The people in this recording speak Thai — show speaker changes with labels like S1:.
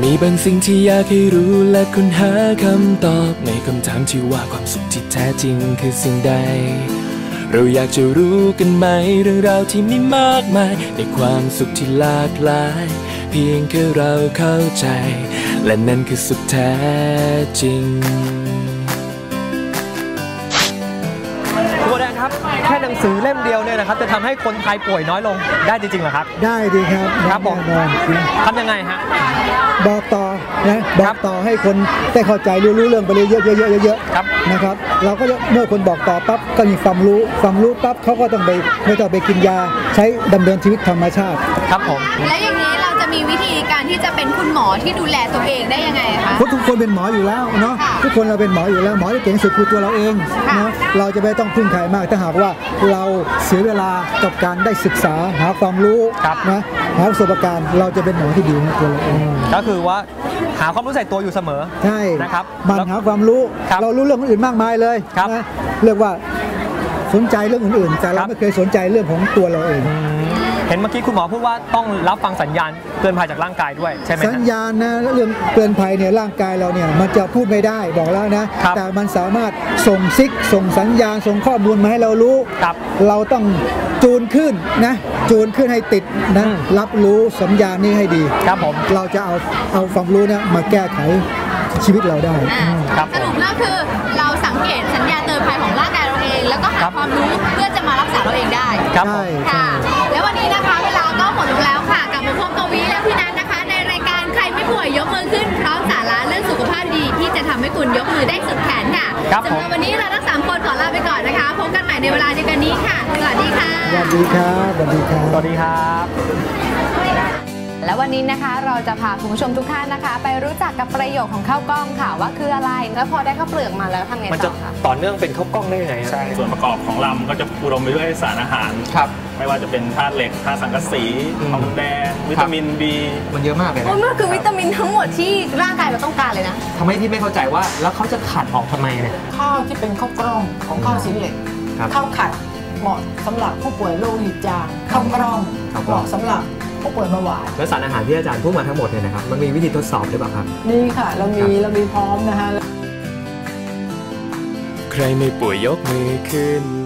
S1: มีบางสิ่งที่อยากให้รู้และค้นหาคำตอบในคำถามที่ว่าความสุขที่แท้จริงคือสิ่งใดเราอยากจะรู้กันไหมเรื่องราวที่มีมากมายในความสุขที่หลากหลายเพียงแค่เราเข้าใจและนั่นคือสุขแท้จริง
S2: ครูแดงครับแค่หนังสือเล่มเดียวเนี่ยนะครับจะทำให้คนไทยป่วยน้อยลงได้จริงๆเหรอครับได้
S3: ดีครับ
S2: ครับผมทำยังไงฮะ
S3: บอกต่อนะบอกต่อให้คนได้เข้าใจรู้เรื่องไปเลยเยอะๆนะครับเราก็เมื่อคนบอกต่อปั๊บก็มีความรู้ปั๊บเขาก็ต้องไปไม่ต้องไปกินยาใช้ดำเนินชีวิตธรรมชาติ
S2: ครับผม
S4: และอย่างนี้เราจะมีวิธีการที่จะเป็นคุณหมอที่ดูแลตัวเองได้ยังไงคะ
S3: ทุกคนเป็นหมออยู่แล้วเนาะทุกคนเราเป็นหมออยู่แล้วหมอที่เก่งสุดคือตัวเราเองนะเราจะไม่ต้องพึ่งใครมากถ้าหากว่าเราเสียเวลากับการได้ศึกษาหาความรู้นะหาประสบการณ์เราจะเป็นหมอที่ดีนะตัวเราเอง
S2: ก็คือว่าหาความรู้ใส่ตัวอยู่เสมอ
S3: ใช่
S2: นะครับ
S3: มันหาความรู้เรารู้เรื่องอื่นมากมายเลยนะเรียกว่าสนใจเรื่องอื่นๆแต่เราไม่เคยสนใจเรื่องของตัวเราเอง
S2: เห็นเมื่อกี้คุณหมอพูดว่าต้องรับฟังสัญญาณเตือนภัยจากร่างกายด้วยใช่ไหม
S3: สัญญาณนะเรื่องเตือนภัยเนี่ยร่างกายเราเนี่ยมันจะพูดไม่ได้บอกแล้วนะแต่มันสามารถส่งซิกส่งสัญญาณส่งข้อมูลมาให้เรารู้เราต้องจูนขึ้นนะจูนขึ้นให้ติดนะรับรู้สัญญาณนี้ให้ดี
S2: ครับผม
S3: เราจะเอาความรู้นะมาแก้ไขชีวิตเราได้
S4: สรุปแล้วคือเราสังเกตสัญญาณเตือนภัยของร่างกายเราเองแล้วก็หาความรู้เพื่อจะมารักษาเราเองได้
S3: ใช่
S4: ค่ะแล้ววันนี้นะคะเวลาก็หมดลงแล้วค่ะกับผมพงศ์กวีและพี่นัทนะคะในรายการใครไม่ป่วยยกมือขึ้นพร้อมสาระเรื่องสุขภาพดีที่จะทำให้คุณยกมือได้สุดแขนค่ะสำหรับวันนี้เราทั้ง3คนขอลาไปก่อนนะคะพบกันใหม่ในเวลาเดียวกันนี้ค่ะสวัสดีค่ะ
S3: สวัสดีครับสวัสดีครับ
S2: สวัสดีครับ
S5: และวันนี้นะคะเราจะพาคุณผู้ชมทุกท่านนะคะไปรู้จักกับประโยชน์ของข้าวกล้องค่ะว่าคืออะไรแล้วพอได้ข้าวเปลือกมาแล้วทำไงต่อคะ
S2: ต่อเนื่องเป็นข้าวกล้องได้ยังไง
S6: ใช่ส่วนประกอบของลำก็จะอุดมไปด้วยสารอาหาร
S2: ครับ
S6: ไม่ว่าจะเป็นธาตุเหล็กธาตุสังกะสีทองแดงวิตามิน B
S2: มันเยอะมากเลยนะ
S5: มันคือวิตามินทั้งหมดที่ร่างกายเราต้องการเลยนะ
S2: ทำไมที่ไม่เข้าใจว่าแล้วเขาจะขัดออกทำไมเนี่ย
S7: ข้าวที่เป็นข้าวกล้องของข้าวสีเหล็กข้าวขัดเหมาะสำหรับผู้ป่วยโรคหิดจางข้าวกล้องเหมาะสำหรับผู้ป่วยเบาหวาน
S2: และสารอาหารที่อาจารย์พูดมาทั้งหมดเนี่ยนะครับมันมีวิธีทดสอบหรือเปล่าครับ
S7: นี่ค่ะเรามีพร้อมนะคะ
S1: ใครไม่ป่วยยกมือขึ้น